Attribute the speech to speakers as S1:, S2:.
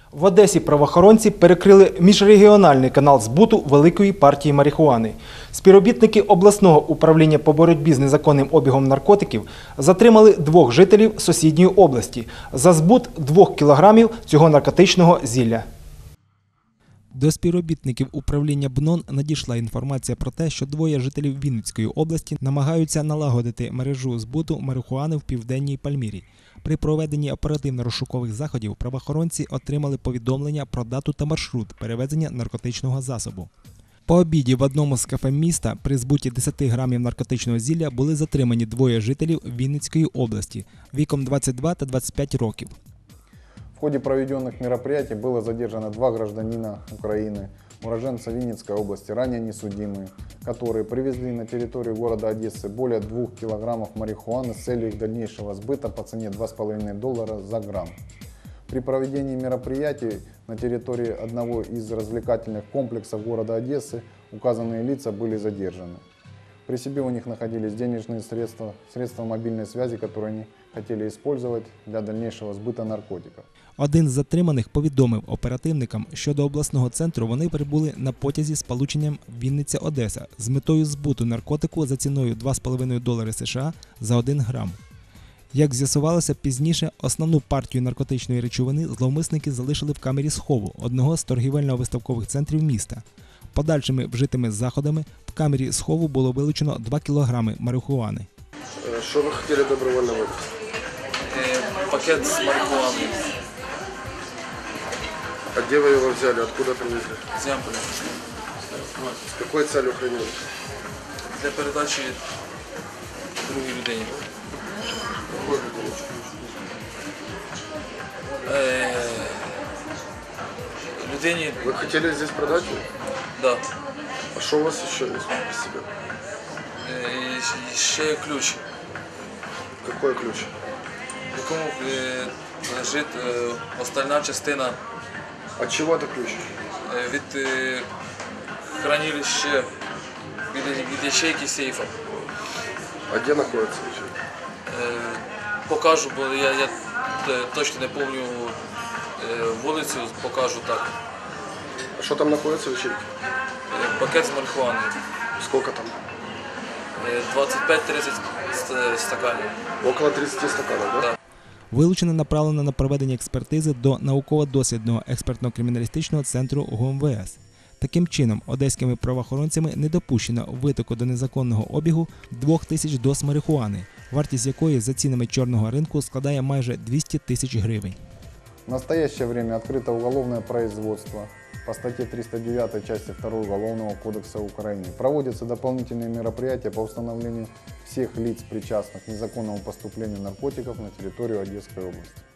S1: В Одесі правоохоронці перекрили міжрегіональний канал збуту великої партії марихуани. Співробітники обласного управління по боротьбі з незаконним обігом наркотиків затримали 2 жителів сусідньої області за збут 2 кілограмів цього наркотичного зілля. До співробітників управління БНОН надійшла інформація про те, що 2 жителів Вінницької області намагаються налагодити мережу збуту марихуани в Південній Пальмірі. При проведенні оперативно-розшукових заходів правоохоронці отримали повідомлення про дату та маршрут перевезення наркотичного засобу. По обіді в одному з кафе міста при збуті 10 грамів наркотичного зілля були затримані 2 жителів Вінницької області віком 22 та 25 років.
S2: В ходе проведенных мероприятий было задержано 2 гражданина Украины, уроженца Винницкой области, ранее несудимые, которые привезли на территорию города Одессы более 2 килограммов марихуаны с целью их дальнейшего сбыта по цене $2,5 за грамм. При проведении мероприятий на территории одного из развлекательных комплексов города Одессы указанные лица были задержаны. При себе у них находились денежные средства мобильной связи, которые они хотели использовать для дальнейшего сбыта наркотиков.
S1: Один з затриманих повідомив оперативникам, що до обласного центру вони прибули на потязі з полученням Вінниця-Одеса з метою збуту наркотику за ціною $2,5 США за 1 грам. Як з'ясувалося пізніше, основну партію наркотичної речовини зловмисники залишили в камері схову одного з торгівельно-виставкових центрів міста. Подальшими вжитими заходами в камері схову було вилучено 2 кілограми марихуани.
S3: Що ви хотіли добровольно випити?
S4: Пакет с марихуаной.
S3: А где вы его взяли? Откуда привезли?
S4: З Ямполя.
S3: С какой целью хранили?
S4: Для передачі другій людині.
S3: Какой людине?
S4: Людині,
S3: Вы хотели здесь продать его?
S4: да.
S3: А что у вас еще есть при себе?
S4: І ще є ключ,
S3: Какой ключ?
S4: в якому лежить остальна частина
S3: От чего это ключ?
S4: від хранилища, від ячейки сейфа.
S3: А где находится ячейка?
S4: Покажу, бо я точно не пам'ятаю вулицю, покажу так.
S3: А что там находится в ячейке?
S4: Пакет з марихуаною.
S3: Сколько там?
S4: 25-30 стаканів.
S3: Около 30 стаканов, да?
S4: Да.
S1: Вилучено направлено на проведення експертизи до науково-дослідного експертно-криміналістичного центру ГУМВС. Таким чином, одеськими правоохоронцями не допущено витоку до незаконного обігу 2000 доз марихуани, вартість якої за цінами чорного ринку складає майже 200 тисяч гривень.
S2: В настоящее время открыто уголовное производство по статье 309 части 2 Уголовного кодекса Украины. Проводятся дополнительные мероприятия по установлению всех лиц, причастных к незаконному поступлению наркотиков на территорию Одесской области.